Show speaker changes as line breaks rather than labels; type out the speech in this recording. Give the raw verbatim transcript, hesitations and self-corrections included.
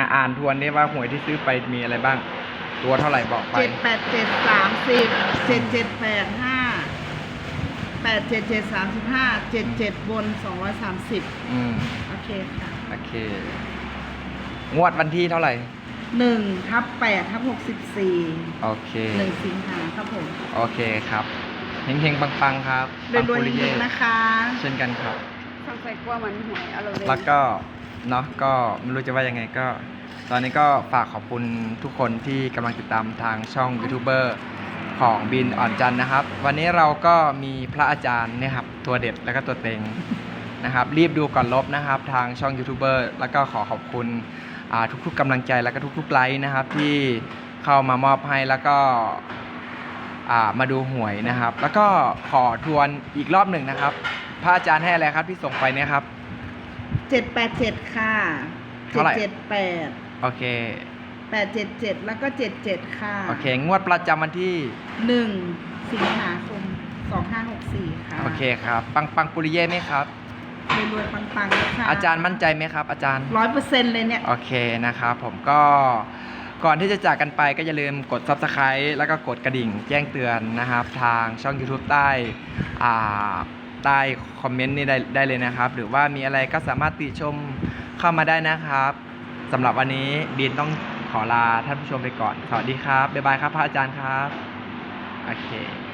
อ่านทวนได้ว่าหวยที่ซื้อไปมีอะไรบ้างตัวเท่าไหร่บอกไป
เจ็ดแปดเจ็ดสามสิบเจ็ดเจ็ดแปดห้าแปดเจ็ดเจ็ดสามสิบห้าเจ็ดเจ็ดบนสองร้อยสามสิบ
อืม
โอเคค่ะ
โอเคงวดวันที่เท่าไหร่
หนึ่งทับแปดทับหกสิบสี่
โอเค
หนึ่งสิงหาครับผม
โอเคครับเฮงๆปังๆครับ
รวยๆจริงๆนะคะ
เช่นกันครับ
สงสัยกลัวมันหวยเอาเลย
แล้วก็เนาะก็ไม่รู้จะว่ายังไงก็ตอนนี้ก็ฝากขอบคุณทุกคนที่กำลังติดตามทางช่องยูทูบเบอร์ของบินอ่อนจันนะครับวันนี้เราก็มีพระอาจารย์เนี่ยครับตัวเด็ดแล้วก็ตัวเต็งนะครับรีบดูก่อนลบนะครับทางช่องยูทูบเบอร์แล้วก็ขอขอบคุณทุกๆกำลังใจแล้วก็ทุกๆไลค์นะครับที่เข้ามามอบให้แล้วก็มาดูหวยนะครับแล้วก็ขอทวนอีกรอบหนึ่งนะครับพระอาจารย์ให้อะไรครับที่ส่งไปเนี่ยครับ
เจ็ดแปดเจ็ดค่ะ
เท่าไหร่
เจ็ดแปด
โอเค
แปดเจ็ดเจ็ดแล้วก็เจ็ดเจ็ดค่ะ
โอเคงวดประจำวันที่
หนึ่งสิงหาคมสองห้าหกสี่ค่ะ
โอเคครับปังปังปุริเย่ไหมครับ
รวยๆปังๆค่ะ
อาจารย์มั่นใจไหมครับอาจารย์
ร้อยเปอร์เซ็นต์เลยเนี่ย
โอเคนะครับผมก็ก่อนที่จะจากกันไปก็อย่าลืมกด ซับสไครบ์ แล้วก็กดกระดิ่งแจ้งเตือนนะครับทางช่อง YouTube ใต้อ่าใต้คอมเมนต์นี่ได้ได้เลยนะครับหรือว่ามีอะไรก็สามารถติชมเข้ามาได้นะครับสำหรับวันนี้บินต้องขอลาท่านผู้ชมไปก่อนสวัสดีครับบ๊ายบายครับพระอาจารย์ครับโอเค